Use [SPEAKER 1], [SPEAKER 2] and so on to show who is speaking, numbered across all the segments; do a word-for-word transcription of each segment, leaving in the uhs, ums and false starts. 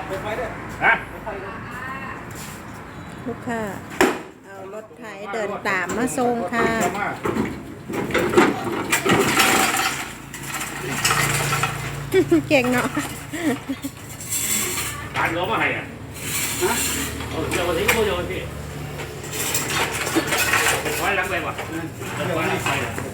[SPEAKER 1] ฮะ
[SPEAKER 2] ลูกค้าเอารถไถเดินตามมาส่งค่ะเก่งเนาะ
[SPEAKER 1] การล้มมาให้อ่ะฮะเอาเดี๋ยววันนี้ก็ไม่โยนพี่ไว้ล้างไปวะไว้ล้างไป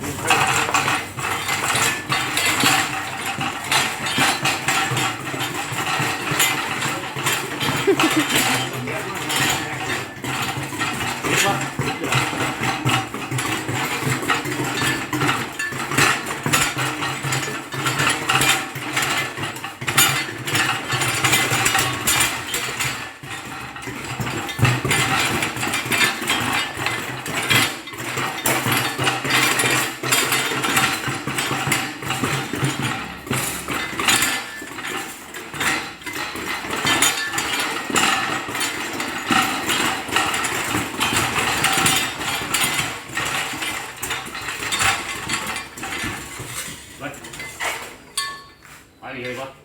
[SPEAKER 1] ไปเลยปะ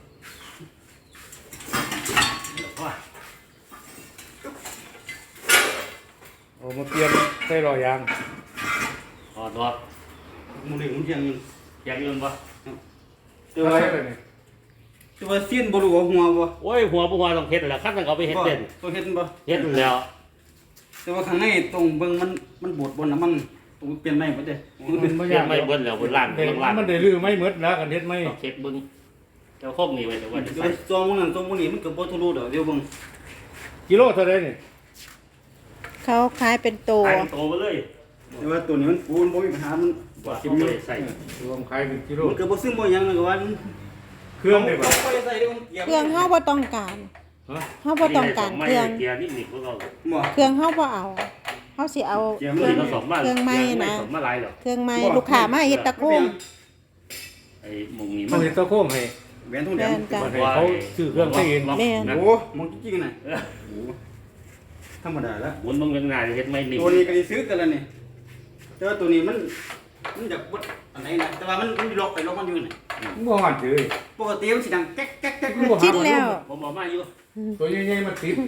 [SPEAKER 3] โอ้มาเปลี่ยนใส่รอยยาง
[SPEAKER 1] อ๋อตัว
[SPEAKER 4] มูนี่มันยัง
[SPEAKER 1] ยังยืนปะ
[SPEAKER 3] ตัวอะไรเลยนี่
[SPEAKER 4] ตัวเสี้ยนบรูหัวบ่
[SPEAKER 1] โอ้ยหัวปัวต้องเฮ็ดแล้วขั้นต้องเอาไปเฮ็ดเด่น
[SPEAKER 4] ตัวเฮ็ดบ่
[SPEAKER 1] เฮ็ดแล้ว
[SPEAKER 4] แต่ว่าข้างในตรงเบิ่งมันมันบดบนน้ำมันตรงเปลี่ยนใหม่บ่ได้
[SPEAKER 3] มันเป็นบ่ยาก
[SPEAKER 1] ไม่เบิ้ลแล้วบนล่างบนล่าง
[SPEAKER 3] มันได้ลื้อไม่หมดแล้วกันเฮ็ดไม่
[SPEAKER 1] เช็ดบึ้งเจ้าโคกนี่ไว้แต่ว่า
[SPEAKER 4] ตัวมันนั่นตัวมันนี่มันก็บ่ทะลุดอกเดี๋ยวเบิ่ง
[SPEAKER 3] กิโลเท่าไรนี่
[SPEAKER 2] เขาขายเป็นโต
[SPEAKER 1] โตไปเลย
[SPEAKER 4] แต่ว่าตัวนี้มันปูนบ่มีปัญหามัน
[SPEAKER 1] ว่าเขาไม่ได้ใส่
[SPEAKER 3] รวมขายเป็นกิโล
[SPEAKER 4] มันก็บ่ซึมบ่หยังก็ว่า
[SPEAKER 3] เครื่องได้บ่
[SPEAKER 2] เครื่องเฮาบ่ต้องการเฮาบ่ต้องการเครื่อง
[SPEAKER 1] เกียร์นี่นี่พวกเรา
[SPEAKER 2] เครื่องเฮาบ่เอาเฮาสิเอาเครื่องเครื่องไม้นะเครื่องไม้ลูกค้ามาเฮ็ดตะโกง
[SPEAKER 1] ไอ้มุงนี่
[SPEAKER 3] มันเฮ็ดตะโกงให้
[SPEAKER 4] แหวนทองแดง
[SPEAKER 3] เขาซื้อเครื่องให้เอง
[SPEAKER 4] โอ้มึงจริงๆน่ะธรรมดาแล้ว
[SPEAKER 1] หมุนมึงยังไงเฮ็ดไม่นิ่ม
[SPEAKER 4] ตัวนี้ก็สิซื้อกันแล้วนี่แต่ว่าตัวนี้มันมันอยากบดอันไหนนะแต่ว่ามันมันล็อกไปล็อกมันอยู่นี่
[SPEAKER 3] บ่ฮอดเลย
[SPEAKER 4] ปกติมันสิดังแก๊กแก๊กแก๊ก
[SPEAKER 2] คิดแล้ว
[SPEAKER 1] ผมบอกมาอยู่
[SPEAKER 3] ตัวใหญ่ๆมันติด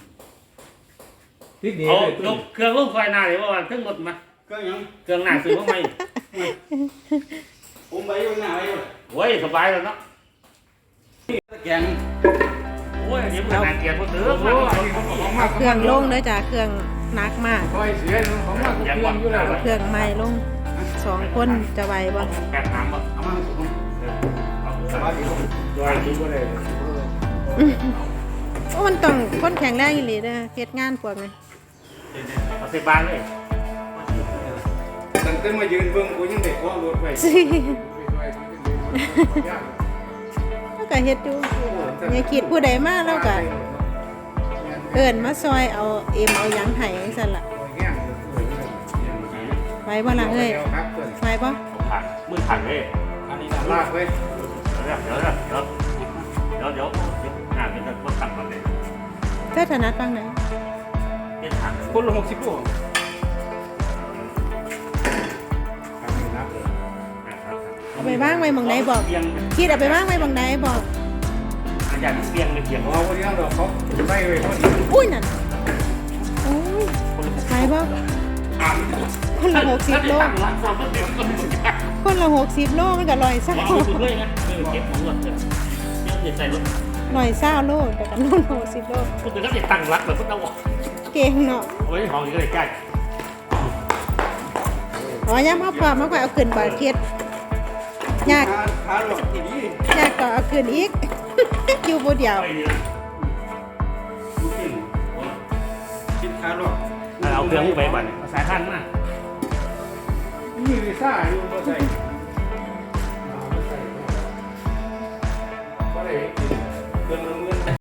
[SPEAKER 3] ติดนี่
[SPEAKER 1] เลยยกเครื่องลงไฟหน้าเลยว่าเครื่องรถมา
[SPEAKER 4] เครื่องยัง
[SPEAKER 1] เครื่องหน้าซื้อมาใหม่
[SPEAKER 4] ผมไปอยู่หน้าไปอยู่
[SPEAKER 1] โอ้ยสบายแล้วเนาะ
[SPEAKER 4] แกง
[SPEAKER 1] โอ้ยเดี๋ยวมันนานเกียร์พวกเด้อ
[SPEAKER 2] เครื่องลงเด้อจ้ะเครื่องหนักมาก
[SPEAKER 3] คอยเสียของมากเครื่องอยู่แล้ว
[SPEAKER 2] เครื่องใหม่ลงสองคนจะไหวบ่
[SPEAKER 1] แกะน้ำบ่
[SPEAKER 4] เอามาผม
[SPEAKER 3] สบายดีจอยดีบ่ได้
[SPEAKER 2] โอ้มันต้องคนแข็งแรงอีหลีเด้อเฮ็ดงานพวกนี้
[SPEAKER 1] เอาใส่บ้านเลย
[SPEAKER 3] ตั้งแต่มายืนเบิ่งกูยังได้ขอรถไว้
[SPEAKER 2] แล้วก็เฮ็ดอยู่อย่าคิดผู้ใดมาแล้วก็เอิ้นมาซอยเอาเอ็มเอาหยังให้จังซั่นล่ะไปบ่ล่ะเอ้ยไปบ่
[SPEAKER 1] ผักมือผักเลย
[SPEAKER 4] อันนี้
[SPEAKER 3] ลากเว้ย
[SPEAKER 1] เดี๋ยวเดี๋ยวเดี๋ยวเดี๋ยวเดี๋ยวงานเป็นคนทำก่อนเลย
[SPEAKER 2] เธอถนัดฟังไหน
[SPEAKER 1] เป็นผัก
[SPEAKER 4] คนละหกสิบโล
[SPEAKER 2] เอาไปว่างไว้หม่องใดบอกคิดเอาไปว่างไว้หม่องใดบอก
[SPEAKER 1] อาจารย์เสียงเลยเสียง
[SPEAKER 3] เอาไว้ยังดอกเขาไม่เว้ย
[SPEAKER 2] อุ้ยนั่นโอ้ยไปบ่คนละหกสิบโลคนละหกสิบโลมันก็ร้อยเศร้าร้อยเศร้าโลแต่กันนู่นหกสิบโล
[SPEAKER 1] คุณถึงก็จะตั้งรักแบบพุทธวะ
[SPEAKER 2] เก่งเนาะ
[SPEAKER 1] โอ้ยของอยู่ใกล้
[SPEAKER 2] อ๋อย่ามาพอมาเอาขึ้นบ่เทียดยากยากก็เอาขึ้นอีกอยู่บ่เดียว
[SPEAKER 1] เอาเครื่องไปบั่นสายพันธุ์มา
[SPEAKER 3] มีวีซ่าอยู่บ่ใส่บ่ได้เครื่องเงิน